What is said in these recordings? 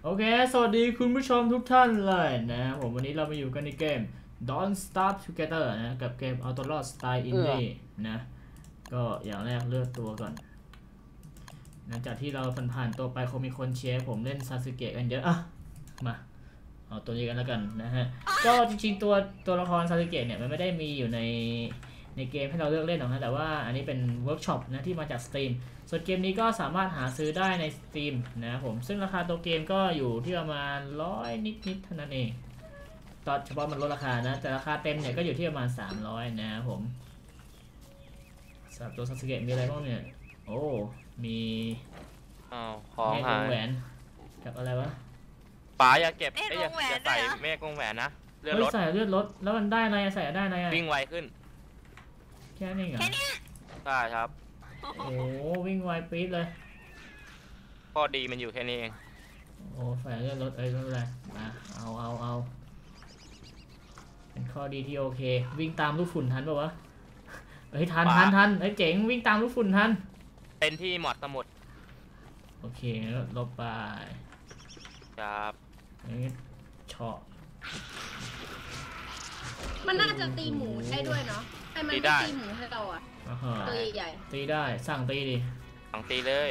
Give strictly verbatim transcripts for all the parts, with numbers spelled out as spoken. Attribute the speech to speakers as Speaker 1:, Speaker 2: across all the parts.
Speaker 1: โอเคสวัสดีคุณผู้ชมทุกท่านเลยนะผมวันนี้เรามาอยู่กันในเกม Don't Starve Together นะกับเกม Outlawed Style Indie นะก็อย่างแรกเลือกตัวก่อนหลังจากที่เราผ่านๆตัวไปคงมีคนเชียร์ผมเล่นซาสึเกะกันเยอะอ่ะมาเอาตัวนี้กันแล้วกันนะฮะก็จริงๆตัวตัวละครซาสึเกะเนี่ยมันไม่ได้มีอยู่ในในเกมให้เราเลือกเล่นหรอกนะแต่ว่าอันนี้เป็นเวิร์กช็อปนะที่มาจาก Steam ส่วนเกมนี้ก็สามารถหาซื้อได้ใน Steam นะครับผมซึ่งราคาตัวเกมก็อยู่ที่ประมาณร้อยนิดๆเท่านั้นเองตอนเฉพาะมันลดราคานะแต่ราคาเต็มเนี่ยก็อยู่ที่ประมาณสามร้อยนะครับผมสำหรับตัวซาสึเกะมีอะไรบ้างเนี่ยโอ้มี
Speaker 2: อ้าวของหาย
Speaker 1: แหวนกับอะไรวะ
Speaker 2: ป๋าอย่าเก็บไอ้อย่าอย่าใส่เมฆวงแหวนนะเลือดรถ
Speaker 1: ใส่เลือดรถแล้วมันได้อะไรใส่ได้อะไร
Speaker 2: วิ่งไวขึ้น
Speaker 1: แค่นี้เหรอ
Speaker 2: ใช่ครับ
Speaker 1: โอ้วิ่งไวปี๊ดเลย
Speaker 2: ข้อดีมันอยู่แค่นี้เอง
Speaker 1: โอ้ใส่เลือดรถเอ้ยไม่เป็นไรมาเอาเอาเอาเป็นข้อดีที่โอเควิ่งตามลูกฝุ่นทันป่าวะเฮ้ยทันทันทันเฮ้ยเจ๋งวิ่งตามลูกฝุ่นทัน
Speaker 2: เป็นที่หมอดสมุด
Speaker 1: โอเคลบไป
Speaker 2: ครับ
Speaker 1: นี่เฉาะ
Speaker 3: มันน่าจะตีหมูได้ด้วยเนาะให้มันตีหมูให้เราอ่ะตัวใหญ่
Speaker 1: ตีได้สั่งตีดิ
Speaker 2: สั่งตีเลย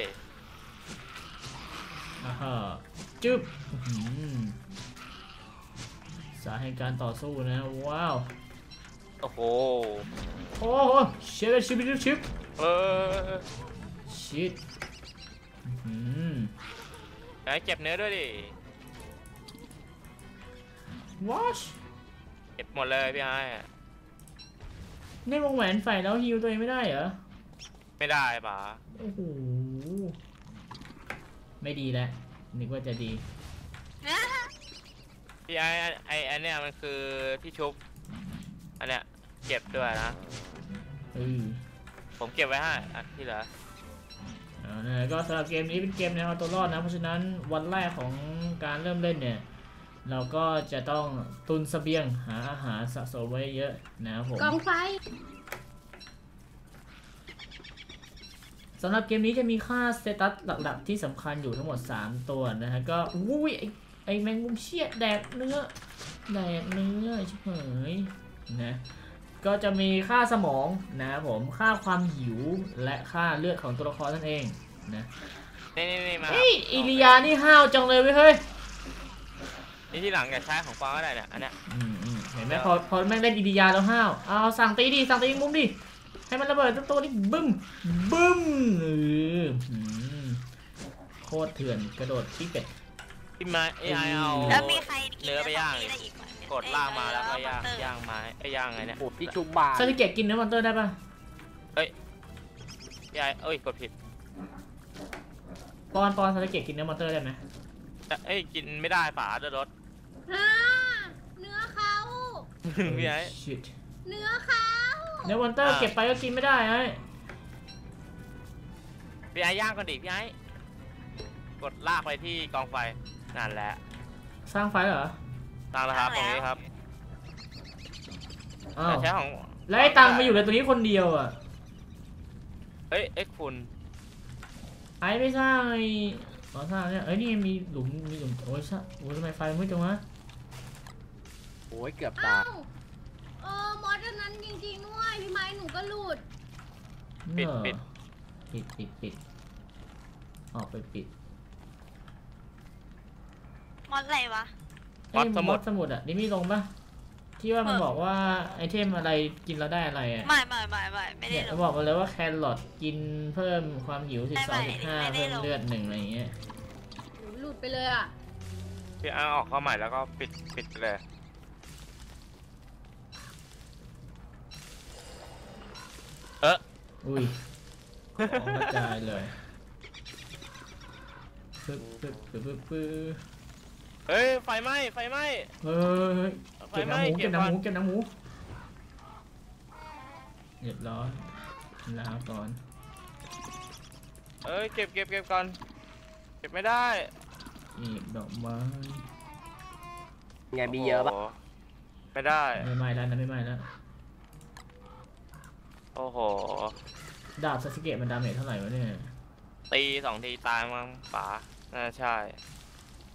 Speaker 1: อ่าฮะจึ๊บสาเหตุการต่อสู้นะว้าว
Speaker 2: โอ้โห
Speaker 1: โอ้โหชิบชิบชิบชิบ
Speaker 2: เออ
Speaker 1: ชิดอืม
Speaker 2: ไอ้เก็บเนื้อด้วยดิ
Speaker 1: ว้าช
Speaker 2: เก็บหมดเลยพี่ไอ้
Speaker 1: ในวงแหวนใส่แล้วฮิวตัวเองไม่ได้เหรอ
Speaker 2: ไม่ได้ป่ะ
Speaker 1: โอ้โหไม่ดีแล้วนึกว่าจะดี
Speaker 2: พี่ไอ้ไอ้อันเนี้ยมันคือที่ชุบอันเนี้ยเก็บด้วยนะผมเก็บไว้ให้อันที่เหลือ
Speaker 1: ก็สำหรับเกมนี้เป็นเกมแนวเอาตัวรอดนะเพราะฉะนั้นวันแรกของการเริ่มเล่นเนี่ยเราก็จะต้องตุนเสบียงหาอาหารสะสมไว้เยอะนะครับผม
Speaker 3: กองไฟ
Speaker 1: สำหรับเกมนี้จะมีค่าสเตตัสหลักๆที่สำคัญอยู่ทั้งหมดสามตัวนะฮะก็อุ้ยไอไอแมงมุมเชี่ยแดกเนื้อแดกเนื้อชิบหายนะก็จะมีค่าสมองนะครับผมค่าความหิวและค่าเลือดของตัวละครนั่นเองนะ
Speaker 2: นี่นี่มา
Speaker 1: เฮ้ยอิริยานี่ห้าวจังเลยเว้ยเฮ้ย
Speaker 2: นี่ที่หลังแกใช้ของฟังก็ได้เนี่ยอันเนี้ย
Speaker 1: เห็นไหมพอพอแม่งเล่นอิริยาแล้วห้าวเอาสั่งตีดิสั่งตีมุมดิให้มันระเบิดตัวนี้บึ้มบึ้มเออโคตรเถื่อนกระโดดที่เป็ด
Speaker 2: ที่มาเอไอเอา
Speaker 4: แล้วมีใคร
Speaker 2: เนื้อไปย่างกดล่างมาแล้วก็ย่างย่างไม้ไอ้ย่างไงเนี่ย
Speaker 1: ที่ชุบบาซาสึเกะกินเนื้อมอนเตอร์ได้ป่ะ
Speaker 2: เฮ้ยพี่ไอเอ้ยกดผิด
Speaker 1: ปอนปอนซาสึเกะกินเนื้อมอนเตอร์ได้ไหม
Speaker 2: เอ้ยกินไม่ได้ฝาเดือดรถ
Speaker 3: เนื้อเขา
Speaker 2: พี่ไอ
Speaker 3: เนื้อเขา
Speaker 1: เนื้อมอนเตอร์เก็บไปก็กินไม่ได้ไอ้
Speaker 2: พี่ไอย่างก่อนดิพี่ไอกดลากไปที่กองไฟนั่นแหละ
Speaker 1: สร้างไฟเหรอ
Speaker 2: สร้างแล้วครับตรงนี้ครับใช้ของ
Speaker 1: แล้วไอ้ตังมาอยู่ในตัวนี้คนเดียวอ่ะ
Speaker 2: เอ้ยเอ็กคุณ
Speaker 1: ไอ้ไม่สร้างไอ้ขอสร้างเนี่ยเอ้ยนี่มีหลุมมีหลุมโอ้ยช่โอ้ยทำไมไฟมืดจังวะ
Speaker 4: โอ้ยเกือบตาย
Speaker 3: เออมอสนั้นจริงๆด้วยพี่ไม้หนูก็หลุด
Speaker 2: ปิดปิด
Speaker 1: ปิดปิดปิดออกไปปิด
Speaker 4: มอสอะไรวะ
Speaker 1: มอสสมุดสมุดอ่ะนี่มีลงปะที่ว่ามันบอกว่าไอเทมอะไรกินแล้วได้อะไรอ่ะ
Speaker 4: ไม่ไม่ไม่ไม่ไม่ได้
Speaker 1: ลงบอกมาเลยว่าแครอทกินเพิ่มความหิวสิบสองจุดห้าเพิ่มเลือดหนึ่งอะไรเงี้ย
Speaker 3: หลุดไปเลยอ่ะ
Speaker 2: พี่อ้าออกเข้าใหม่แล้วก็ปิดปิดเลยเออ
Speaker 1: อุ้ยของกระจายเลยปึ๊บปึ๊บปึ๊บปึ๊บปึ๊บ
Speaker 2: เฮ้ยไฟไหม้ไฟไหม้
Speaker 1: เฮ้ยเก็บน้ำหมูเก็บน้ำหมูเก็บน้ำหมูเรียบร้อยลาก่อน
Speaker 2: เอ้ยเก็บเก็บเก็บก่อนเก็บไม่ได้
Speaker 1: อีกดอกไม้
Speaker 4: ไงมีเยอะปะ
Speaker 2: ไม่ได้
Speaker 1: ไม่ไหม้แล้วนะไม่ไหม้แล้ว
Speaker 2: โอ้โห
Speaker 1: ดาบซาสึเกะมันดาเมจเท่าไหร่วะเนี่ย
Speaker 2: ตีสองทีตายมั้งป๋าน่าใช่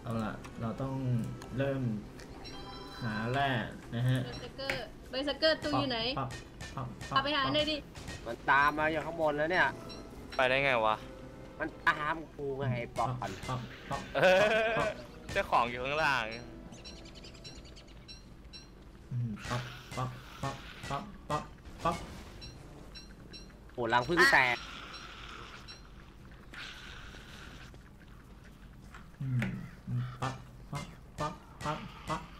Speaker 1: เอาล่ะเราต้องเริ่มหาแร่นะฮะ
Speaker 3: เบอร์เซอร์เกอร์เบอร์เซอร์เกอร์ตัวอยู่ไหน
Speaker 1: ปั๊บปั๊บปั๊บ
Speaker 3: เอาไปหาหน่อยดิ
Speaker 5: มันตามมาอยู่ข้างบนแล้วเนี่ย
Speaker 2: ไปได้ไงวะ
Speaker 5: มันตามกูไงไอ้ป
Speaker 1: ปั๊
Speaker 5: อบ น
Speaker 1: ปั๊บปั๊บปั๊บ
Speaker 2: เออเจ้าของอยู่ข้างล่าง
Speaker 1: อืมปั๊บปั๊บปั๊บปั๊บปั๊บปั๊บ
Speaker 5: โหรังพึ่งแตก
Speaker 1: อืมอืมปั๊บปั๊บปั๊บปั๊บปั๊บ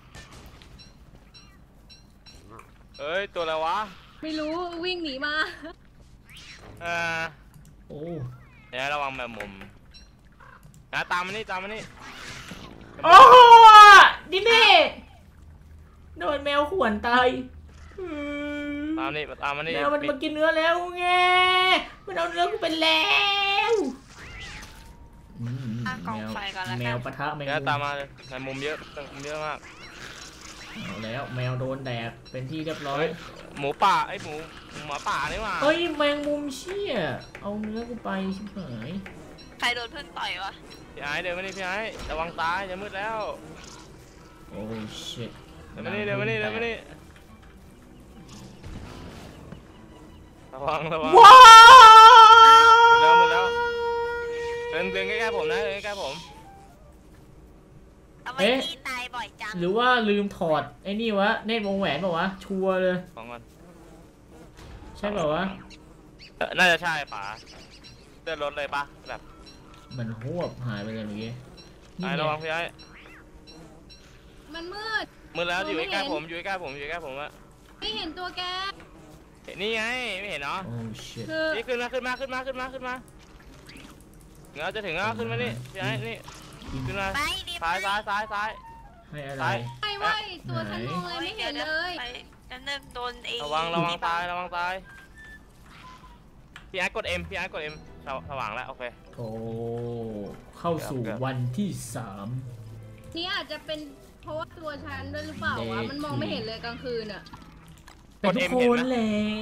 Speaker 2: เอ้ยตัวอะไรวะ
Speaker 3: ไม่รู้วิ่งหนีมา
Speaker 2: เออ
Speaker 1: โอ้
Speaker 2: เดี๋ยวระวังแบบมุมนะตามมานี่ตามมานี่
Speaker 1: โอ้ดิเม่โดนแมวข่วนตายอืม
Speaker 2: ตามนี่ตามมานี่
Speaker 1: แมวมันมากินเนื้อแล้วไงมันเอาเนื้อกูไปแล้วอืม
Speaker 4: อ่ะกองไฟก่อนแล้ว
Speaker 1: แม
Speaker 4: กั
Speaker 1: วน ปะทะแมง
Speaker 2: เดี๋ยว
Speaker 1: มุม
Speaker 2: ตามมาเลยในมุมเยอะมุมเยอะมาก
Speaker 1: เอาแล้วแมวโดนแดกเป็นที่เรียบร้อย
Speaker 2: เฮ้ยหมูป่าไอ้ยหมูหมูป่านี่หว่า
Speaker 1: เอ้ยแมงมุมเชี่ยเอาเนื้อกูไปชิบหาย
Speaker 4: ใครโดนเพื่อนต่อยวะ
Speaker 2: พี่ไอ้เดินมานี่พี่ไอ้ระวังตายจะมืดแล้ว
Speaker 1: โอ้ชิต
Speaker 2: เดินมานี่เดินมานี่เดินมานี่ระวังระวัง
Speaker 1: ว้าว
Speaker 2: มืดแล้วมืดแล้วเดินเดินใกล้ๆผมนะเดินใกล้ๆผม
Speaker 4: ทำไมพี่ตายบ่อยจัง
Speaker 1: หรือว่าลืมถอดไอ้นี่วะเนตรวงแหวนเปล่าวะชัวร์เลย
Speaker 2: ของก่อน
Speaker 1: ใช่เปล่าวะ
Speaker 2: เออน่าจะใช่ป๋าเดินรถเลยปะแบบ
Speaker 1: มันหวบหายไปเลยเมื่อกี้นี่
Speaker 2: ไอ้
Speaker 1: ไง
Speaker 2: ระวังพี่ไอ้
Speaker 3: มันมืด
Speaker 2: มืดแล้วอยู่
Speaker 3: ไม่
Speaker 2: ใกล้
Speaker 3: เห็น
Speaker 2: ๆผมอยู่ใกล้ๆผมอยู่ใกล้ๆผมอะ
Speaker 3: ไม่เห็นตัวแก
Speaker 2: เห็นนี่ไงไม่เห็นเนาะ
Speaker 1: โอ้ชิต
Speaker 3: คือ
Speaker 2: นี่ขึ้นมาขึ้นมาขึ้นมาขึ้นมาขึ้นมาเงาจะถึงแล้วขึ้นมานี่พี่ไอ้นี่ขึ้นมา
Speaker 4: ไปดิ
Speaker 2: ซ้ายซ้ายซ้ายซ้าย
Speaker 1: ให้อะไร
Speaker 2: ซ้าย
Speaker 3: ไม่ไหวตัวฉันมองอะไรไม่เห็นเลย
Speaker 4: ไปนั่นเริ่มโดนเอง
Speaker 2: ระวังระวังซ้ายระวังซ้ายพี่ไอ้กด M พี่ไอ้กด M สวสว่างแล้วโอเค
Speaker 1: โอ้เข้าสู่
Speaker 2: เกือบ
Speaker 1: วันที่สาม
Speaker 3: นี่อาจจะเป็นเพราะว่าตัวฉันด้วยหรือเปล่าวะ มันมองไม่เห็นเลยกลางคืนอ่ะ
Speaker 1: เป็นทุกคนแหละ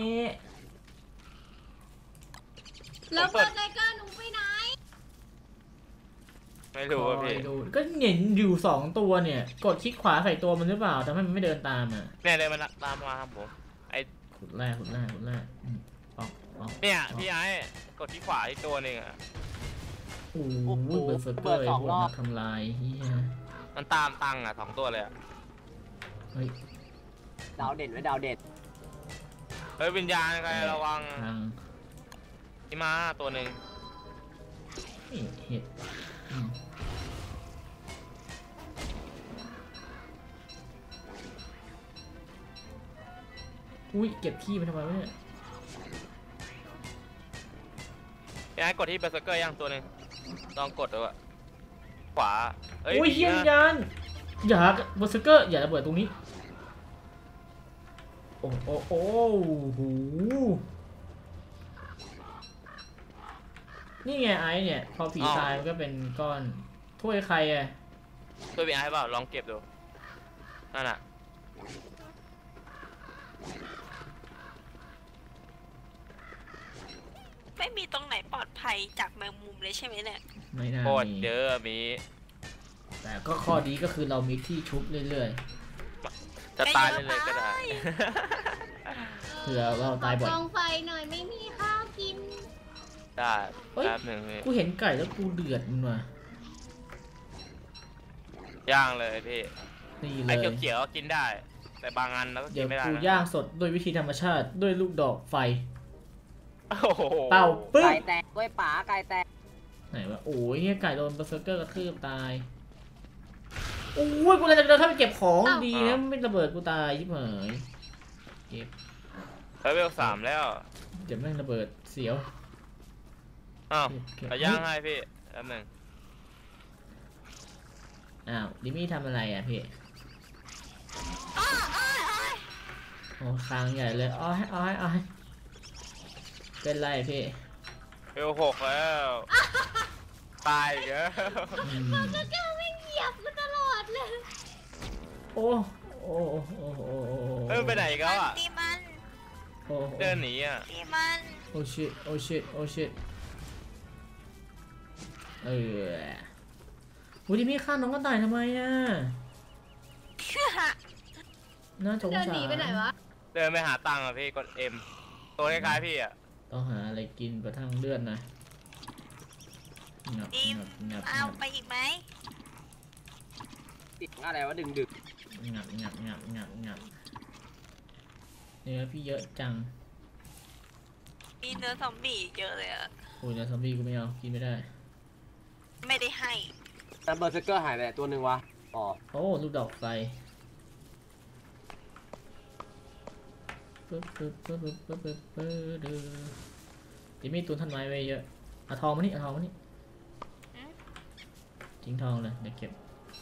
Speaker 3: แล้วเบอร์เซอร์เกอร์หนูไปไหน
Speaker 2: ไม่รู้ว่าพี่
Speaker 1: คอยดูก็เห็นอยู่สองตัวเนี่ย กดคลิกขวาใส่ตัวมันหรือเปล่าทำให้มันไม่เดินตามอ่ะ
Speaker 2: เนี่ยเลยมันตามมาครับผมไอ
Speaker 1: ขุดแรกขุดแรกขุดแรกอืมออกออก
Speaker 2: เนี่ยพี่ไอ้กดที่ขวาที่ตัวหนึ่งอะ
Speaker 1: โอ้โหเบอร์เซอร์เกอร์ไอ้พวกนักทำลายเฮีย
Speaker 2: มันตามตังอะสองตัวเลยอะ
Speaker 1: เฮ้ย
Speaker 5: ดาวเด่นไว้ดาวเด่น
Speaker 2: เฮ้ยวิญญาณใครระวัง
Speaker 1: ทาง
Speaker 2: ที่มาตัวหนึ่ง
Speaker 1: เฮ้ยเห็ดอืมอุ้ยเก็บขี้ไปทำไมวะเนี่ย
Speaker 2: พี่ไอ้กดที่เบอร์เซอร์เกอร์ยังตัวหนึ่งลองกดดูอะขวาเอ้ย
Speaker 1: อุ้ย
Speaker 2: ผี
Speaker 1: เฮีย
Speaker 2: นะ
Speaker 1: วิญญาณอย่าเบอร์เซอร์เกอร์อย่าระเบิดตรงนี้โอ้โอ้โอ้โหนี่ไงไอ้เนี่ยพอผีตายมันก็เป็นก้อนถ้วยใครอะ
Speaker 2: ตัวพี่ไอ้เปล่าลองเก็บดูนั่นอะ
Speaker 4: ไม่มีตรงไหนปลอดภัยจากแมงมุมเลยใช่ไหมเนี่ย
Speaker 1: ไม่น่า
Speaker 2: โคตร
Speaker 1: มี
Speaker 2: เยอะมี
Speaker 1: แต่ก็ข้อดีก็คือเรามีที่ชุบเรื่อย
Speaker 2: จะตายเลยเลยก็ได้
Speaker 1: ๆเผื่อเราตายบ่อย
Speaker 3: กองไฟหน่อยไม่มีข้าวกิน
Speaker 2: ได้
Speaker 1: เฮ้ย
Speaker 2: แป๊บหนึ่งพี่
Speaker 1: กูเห็นไก่แล้วกูเดือดมันว่ะ
Speaker 2: ย่างเลยพี่
Speaker 1: นี่เล
Speaker 2: ไอ้
Speaker 1: ย
Speaker 2: เขียวๆก็กินได้ แต่บางอันเราก็กิ
Speaker 1: เดี๋ย
Speaker 2: น
Speaker 1: ว
Speaker 2: ไม่ได้
Speaker 1: กู
Speaker 2: นะ
Speaker 1: ย่างสดด้วยวิธีธรรมชาติด้วยลูกดอกไฟ
Speaker 2: โอ้โห
Speaker 1: เป่าปึ๊บ
Speaker 5: ไก่แตกกล้วยป๋าไก่แตก
Speaker 1: ไหนวะโอ้ยเฮียไก่โดนเบอร์เซอร์เกอร์กระทืบตายโอ้ยกูเลยจะเดินเข้าไปเก็บของดีนะไม่ระเบิดกูตายชิบหายเก็บ
Speaker 2: เฮ้ยเวลสามแล้ว
Speaker 1: เดี๋ยวแม่งระเบิดเสียว
Speaker 2: อ้าว
Speaker 1: เก็บเก็บ
Speaker 2: เอาย่างให้พี่แป๊บหนึ่ง
Speaker 1: อ้าวดิมี่ทำอะไรอ่ะพี่โอ้คางใหญ่เลยอ้อยอ้อยอ้อยเป็นไรพี่
Speaker 2: เวลหกแล้ว ตายอีกแล้ว
Speaker 1: อืม
Speaker 3: ก็แกไม่เหยียบมันตลอดเลย
Speaker 1: โอ้โอ้โอ้โอ้โอ้
Speaker 2: เฮ้ยมันไปไหนอีกแล้วอ่ะ
Speaker 4: ตีมัน
Speaker 1: โอ้
Speaker 2: เดินหนีอ่ะ
Speaker 4: ตีมัน
Speaker 1: โอ้ชิตโอ้ชิตโอ้ชิตเอออุ้ยดิมี่ฆ่าน้องกระต่ายทำไมอ่ะน่าสง
Speaker 3: เดิน
Speaker 1: สา
Speaker 3: หนีไปไหน
Speaker 1: ร
Speaker 3: วะ
Speaker 2: เดินไปหาตังค์อ่ะพี่กด M ตัวคล้ายๆพี่อ่ะ
Speaker 1: ต้องหาอะไรกินประทังเลือดหน่อยงับ
Speaker 4: ดิม
Speaker 1: งับงับ
Speaker 4: เอาไปอีกไหม
Speaker 5: ติดอะไรวะดึงดึก
Speaker 1: งับงับงับงับงับเนื้อพี่เยอะจัง
Speaker 4: มีเนื้อซอมบี้เยอะเลยอะ
Speaker 1: โอ้ยเนื้อซอมบี้กูไม่เอากินไม่ได้
Speaker 4: ไม่ได้ให้
Speaker 5: แต่เบอร์เซอร์เกอร์หายไปไหนตัวหนึ่งวะอ๋อ
Speaker 1: โอ้ลูกดอกไฟปึ๊บปึ๊บปึ๊บปึ๊บปึ๊บปึ๊บปึ๊บเด้อจะมีตุนทันไม้ไว้เยอะเอาทองมานี่เอาทองมานี่ทิ้งทองเลยเดี๋ยวเก็บ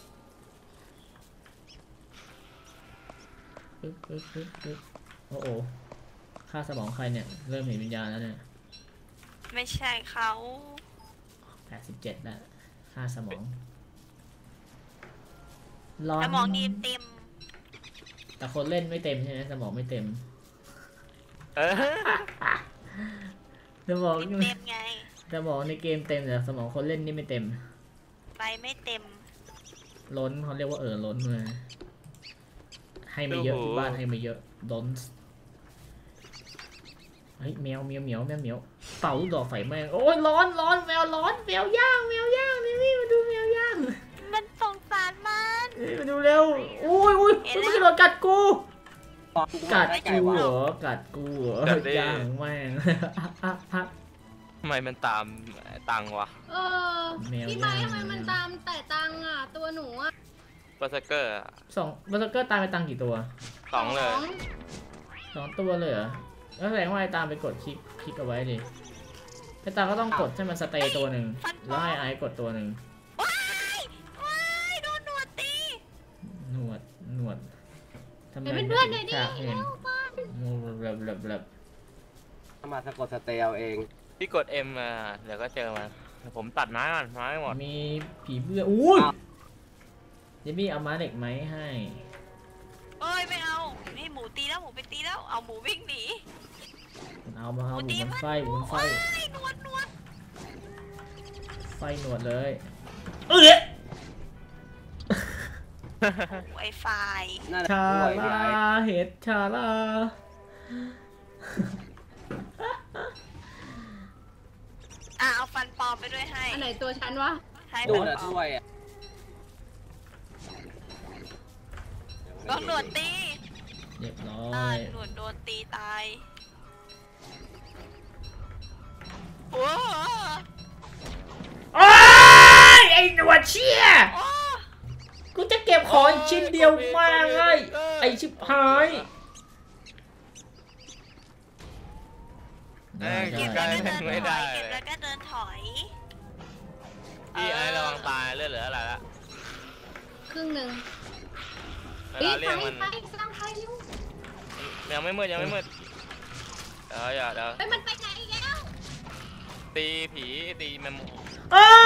Speaker 1: ปึ๊บปึ๊บปึ๊บปึ๊บโอ้โหค่าสมองใครเนี่ยเริ่มเห็นวิญญาณแล้วเนี่ย
Speaker 4: ไม่ใช่เขา
Speaker 1: แปดสิบเจ็ดแล้วค่าสมองร้อน
Speaker 4: สมองดีเต็ม
Speaker 1: แต่คนเล่นไม่เต็มใช่ไหมสมองไม่เต็ม
Speaker 2: เออ
Speaker 1: สมอง
Speaker 4: เต็มไง
Speaker 1: สมองในเกมเต็มแต่สมองคนเล่นนี่ไม่เต็ม
Speaker 4: ไปไม่เต็ม
Speaker 1: ล้นเขาเรียกว่าเออล้นมาให้ไม่เยอะที่บ้านให้ไม่เยอะล้นเฮ้ยแมวแมวเหมียวแมวเหมียวเป่าลูกดอกไฟแมงโอ้ยร้อนร้อนแมวร้อนแมวย่างแมวย่างนี่นี่มาดูแมวย่าง
Speaker 4: มันสงสารมัน
Speaker 1: นี่มาดูเร็วอุ้ยอุ้ยมันไม่กระโดดกัดกู
Speaker 5: ตอนกู
Speaker 1: กัด
Speaker 5: ได้ไก่
Speaker 1: กู
Speaker 5: วะ
Speaker 1: เหรอกัดกูเหรอย่างแม่ง
Speaker 2: ทำไมมันตามตังค์วะ
Speaker 3: เออ
Speaker 1: แมว
Speaker 3: พี่ไม้
Speaker 1: ย่าง
Speaker 3: ทำไมมันตามแต่ตังค์อ่ะ ตัวหนูอ่ะ
Speaker 2: เบอร์เซอร์เกอร์
Speaker 1: สองบัสเกอร์ตามไปตังกี่ตัว
Speaker 2: สองเลย
Speaker 1: สองตัวเลยเหรอแล้วแสดงว่าไอ้ตามไปกดคลิกคลิกเอาไว้ดิไอ้ตามก็ต้องกดให้มันสเตย์ตัวหนึ่งแล้วให้ไอ้กดตัวหนึ่ง
Speaker 4: ว้ายว้ายโดนหนวดตี
Speaker 1: หนวดหนวดทำไม
Speaker 3: เป็นเพื่อนๆหน่อยดิ
Speaker 1: ฉากเห็น
Speaker 3: เร็วมา
Speaker 1: งูแบบแบบแบบ
Speaker 5: มาสะกดสเตลเอาเอง
Speaker 2: พี่กด M มาเดี๋ยวก็เจอมันเดี๋ยวผมตัดไม้ก่อนไม้หมด
Speaker 1: มีผีเบื่ออุ้ยเจมี่เอาม้าเหล็กไหมให้
Speaker 4: เอ้ยไม่เอา นี่หมูตีแล้วหมูไปตีแล้ว เอาหมูวิ่งหนี
Speaker 1: เอามา
Speaker 4: ห
Speaker 1: เอา
Speaker 4: มู
Speaker 1: ห
Speaker 4: ตี
Speaker 1: มูมัน
Speaker 4: มัน
Speaker 1: ไฟหมูมันไฟ
Speaker 4: ว้ายหนวดหนวด
Speaker 1: ไฟหนวดเลยเอ้ย
Speaker 4: ไวไฟ
Speaker 5: น่าจะ
Speaker 1: ชา
Speaker 5: ป่วยพี่
Speaker 1: ลา
Speaker 5: ไอ้
Speaker 1: เห็ดชาลา
Speaker 4: อ่ะเอาฟันปลอมไปด้วยให้
Speaker 3: อันไหนตัวฉันวะ
Speaker 4: ให้
Speaker 5: ดู
Speaker 4: ฟัน
Speaker 5: นะ
Speaker 4: ปลอ
Speaker 5: ถ้
Speaker 4: ม
Speaker 5: วยอ่ะ
Speaker 4: โดนหนวดตี
Speaker 1: เรียบร้อ
Speaker 4: อ่าย หนวดโดนตีตายโอ้
Speaker 1: โอ้ยไอ้หนวดเชี่ย
Speaker 4: โอ้
Speaker 1: กูจะเก็บของอีกชิ้นเดียวมาเลยไอ้ชิบหาย
Speaker 2: เอ้ย
Speaker 1: ได้
Speaker 2: เก็บ
Speaker 1: ได้
Speaker 2: ได้
Speaker 4: เก็บ
Speaker 2: ไม่
Speaker 4: แล้ว
Speaker 2: ได้
Speaker 4: เก็บแล้วก็เดินถอย
Speaker 2: พี่ไอ้ระวังตายเลือดเหลืออะไรละ
Speaker 3: ครึ่งหนึ่ง
Speaker 2: เว
Speaker 3: เฮ้ย
Speaker 2: ลา
Speaker 3: ไฟ
Speaker 2: เรียกมัน
Speaker 3: ไฟสร้างไฟเร็ว
Speaker 2: ยังไม่มืดยังไม่มืดเดี๋ยวอย่าเดี๋ยว
Speaker 3: เฮ้ยมันไปไหนอีกแล้ว
Speaker 2: ตีผีตีแมมโม
Speaker 1: อ้า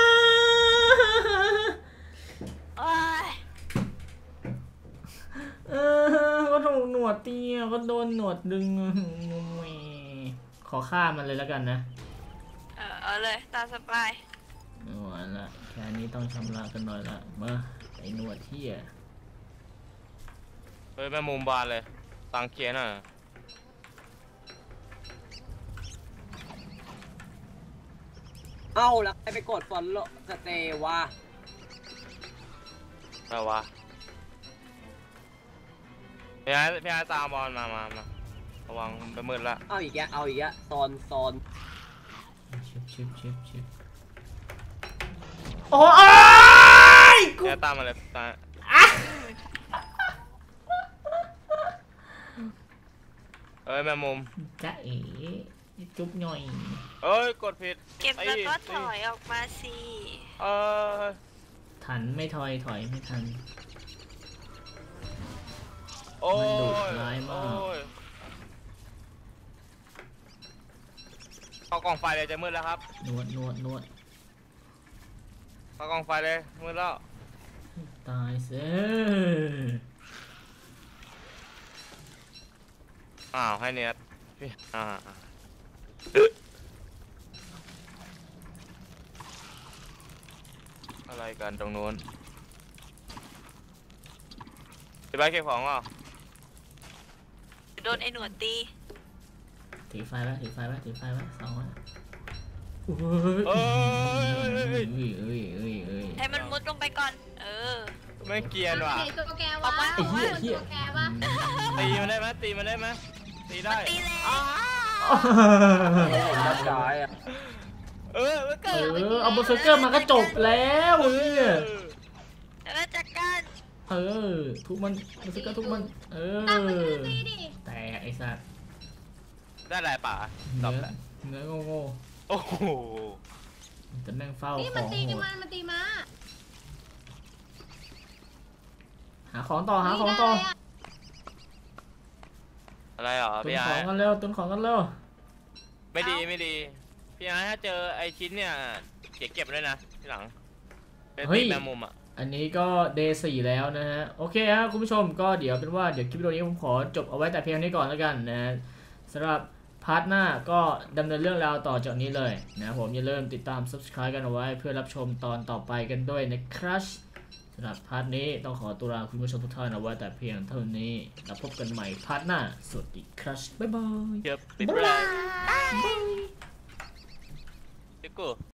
Speaker 4: โอ้ย
Speaker 1: เออก็ถูกหนวดตีอ่ะก็โดนหนวดดึงแหมขอฆ่ามันเลยแล้วกันนะ
Speaker 4: เออเอาเลยตามสบาย
Speaker 1: เอาละแค่นี้ต้องชำระกันหน่อยละมาไอ้หนวดเที่ย
Speaker 2: เฮ้ยแม่มุมบานเลยตังเคียนอ่ะ
Speaker 5: เอ้าแล้วใครไปกดฟอนโลสเตย์วะ
Speaker 2: อะไรวะพี่ไอ้พี่ไอ้ตามบอลมามามาระวังไปมืดละ
Speaker 5: เอาอีกแกเอาอีกแกโซนโซน
Speaker 1: ชิบชิบชิบชิบโอ้ยกู
Speaker 2: พี่ไอ้ตามมาเลยตามเอ้ยแม่มุม
Speaker 1: จ๊ะเอ๋จุ๊บหน่อย
Speaker 2: เอ้ยกดผิด
Speaker 4: เก็บ
Speaker 2: ไอ้
Speaker 4: แล้วก็ถอยออกมาสิ
Speaker 2: เออ
Speaker 1: ทันไม่ถอยถอยไม่ทัน
Speaker 2: โอ้
Speaker 1: มันดุ
Speaker 2: ย
Speaker 1: ร้ายมาก
Speaker 2: โอ้ยเข้ากล่องไฟเลยจะมืดแล้วครับ
Speaker 1: นวดนวดนวด
Speaker 2: เข้ากล่องไฟเลยมืดแล้ว
Speaker 1: ตายเสีย
Speaker 2: อ้าวให้เนียดพี่อ่าเออะไรกันตรงนู้นพี่บ้านเก็บของเหรอ
Speaker 4: โดนไอ้หนวดตี
Speaker 1: ถือไฟไว้ถือไฟไว้ถือไฟไว้สองไว้โอ้ย
Speaker 2: เอ้ย
Speaker 1: เอ้ยเอ้ยเอ้ยเอ้ย
Speaker 4: ให้มันมุดลงไปก่อน เออ
Speaker 2: ไม่เกรียนว่ะ
Speaker 3: ไหนตัวแก
Speaker 4: อ
Speaker 3: วะ
Speaker 4: อกมา
Speaker 1: ไอ้เหี้ย
Speaker 3: ว่า
Speaker 1: เหี้ย
Speaker 3: ตัวแกวะ
Speaker 2: ตีมันได้ไหมตีมันได้ไหมตีได้
Speaker 4: ตีเลย
Speaker 2: อ้า
Speaker 5: รับสายอ่ะ
Speaker 2: เออมัน
Speaker 1: เอ
Speaker 2: เกิด
Speaker 1: อเอาเบอร์เซอร์เกอร์มาก็จบแล้วเนี่ย
Speaker 4: แล้วจัดการ
Speaker 1: เออทุกมันเบอร์เซอร์เกอร์ทุกมันเอ
Speaker 3: ตั้งมัน
Speaker 1: อ
Speaker 3: ตีดิ
Speaker 1: แตกไอ้สัตว์
Speaker 2: ได้อะไรป่ะต
Speaker 1: เนื้
Speaker 2: อ
Speaker 1: อบ
Speaker 2: แล้ว
Speaker 1: เนื้อโง่
Speaker 2: โอ้โห
Speaker 1: ๆจะนั่งเฝ้า
Speaker 3: นี่
Speaker 1: ข
Speaker 3: มัน
Speaker 1: อง
Speaker 3: ตี
Speaker 1: โห
Speaker 3: กัน
Speaker 1: ด
Speaker 3: มันมันตีมา
Speaker 1: หาของต่อหาของต่อ
Speaker 2: อะไรเหรอ
Speaker 1: ตุน
Speaker 2: พี่
Speaker 1: ข
Speaker 2: ไอ้
Speaker 1: องกันเร็วตุนของกันเร็ว
Speaker 2: ไม่ดีไม่ดีพี่ไอ้ถ้าเจอไอ้ชิ้นเนี่ยเก็บเก็บด้วยนะที่หลังเป็นตีแมงมุมอ่ะ
Speaker 1: อันนี้ก็ เดย์ สี่แล้วนะฮะโอเคฮะคุณผู้ชมก็เดี๋ยวเป็นว่าเดี๋ยวคลิปวิดีโอนี้ผมขอจบเอาไว้แต่เพียงนี้ก่อนแล้วกันนะสำหรับพาร์ทหน้าก็ดำเนินเรื่องราวต่อจากนี้เลยนะผมอย่าลืมติดตาม Subscribe กันเอาไว้เพื่อรับชมตอนต่อไปกันด้วยนะครับสำหรับพาร์ทนี้ต้องขอตัวลาคุณผู้ชมทุกท่านเอาไว้แต่เพียงเท่านี้แล้วพบกันใหม่พาร์ทหน้าสวัสดีครับบ๊ายบาย
Speaker 2: เก็บติดเลย
Speaker 1: บ๊ายบาย
Speaker 2: ติดกู